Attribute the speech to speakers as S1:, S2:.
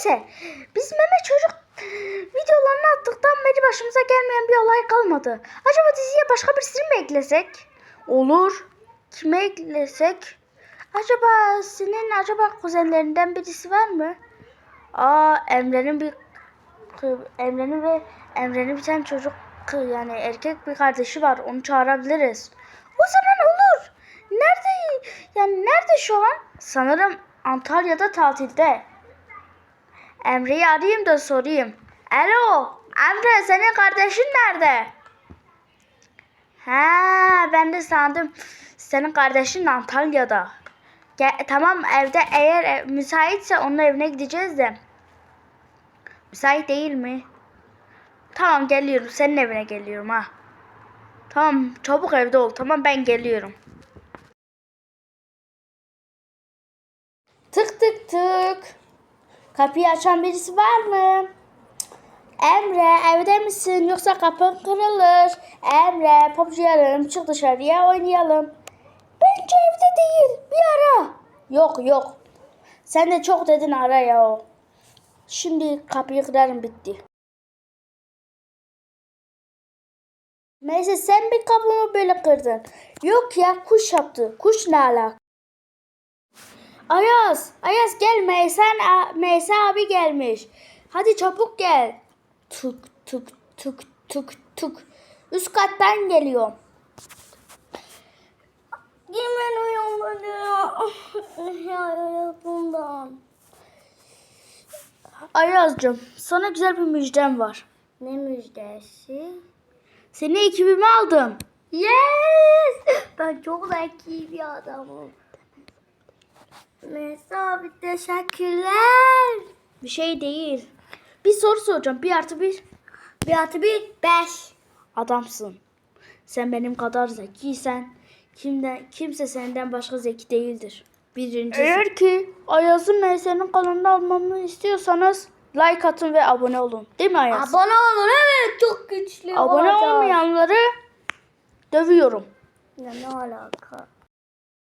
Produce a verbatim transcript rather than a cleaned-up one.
S1: Neyse. Biz meme çocuk videolarını attıktan beri başımıza gelmeyen bir olay kalmadı. Acaba diziye başka birisini mi eklesek? Olur. Kime eklesek? Acaba senin acaba kuzenlerinden birisi var mı? Aa, Emre'nin bir Emre'nin ve Emre'nin bir tane çocuk yani erkek bir kardeşi var. Onu çağırabiliriz. O zaman olur. Nerede? Yani nerede şu an? Sanırım Antalya'da tatilde. Emre'yi arayayım da sorayım. Alo, Emre, senin kardeşin nerede? Ha, ben de sandım senin kardeşin Antalya'da. Gel, tamam, evde eğer ev, müsaitse onun evine gideceğiz de. Müsait değil mi? Tamam, geliyorum. Senin evine geliyorum ha. Tamam, çabuk evde ol. Tamam, ben geliyorum. Tık tık tık. Kapıyı açan birisi var mı? Emre, evde misin? Yoksa kapın kırılır. Emre, popçuyalım. Çık dışarıya oynayalım. Bence evde değil. Bir ara. Yok yok. Sen de çok dedin, ara ya. Şimdi kapıyı kırarım, bitti. Neyse, sen bir kapımı böyle kırdın. Yok ya, kuş yaptı. Kuş ne alaka? Ayaz, Ayaz gel, Meysen, Meysen abi gelmiş. Hadi çabuk gel. Tuk tuk tuk tuk tuk. Üst kattan geliyor. Hemen uyanmadı bundan. Ayaz'cığım, sana güzel bir müjdem var.
S2: Ne müjdesi?
S1: Seni ekibime aldım.
S2: Yes! Ben çok zeki bir adamım. Mesela abi teşekkürler.
S1: Bir şey değil. Bir soru soracağım. Bir artı bir.
S2: Bir artı bir beş.
S1: Adamsın. Sen benim kadar zekiysen kimden, kimse senden başka zeki değildir. Birincisi. Eğer ki Ayaz'ın Meysen'in kanalını almamı istiyorsanız like atın ve abone olun. Değil mi Ayaz?
S2: Abone olun, evet, çok güçlü
S1: Abone
S2: olacağız.
S1: olmayanları dövüyorum.
S2: Ya ne alaka?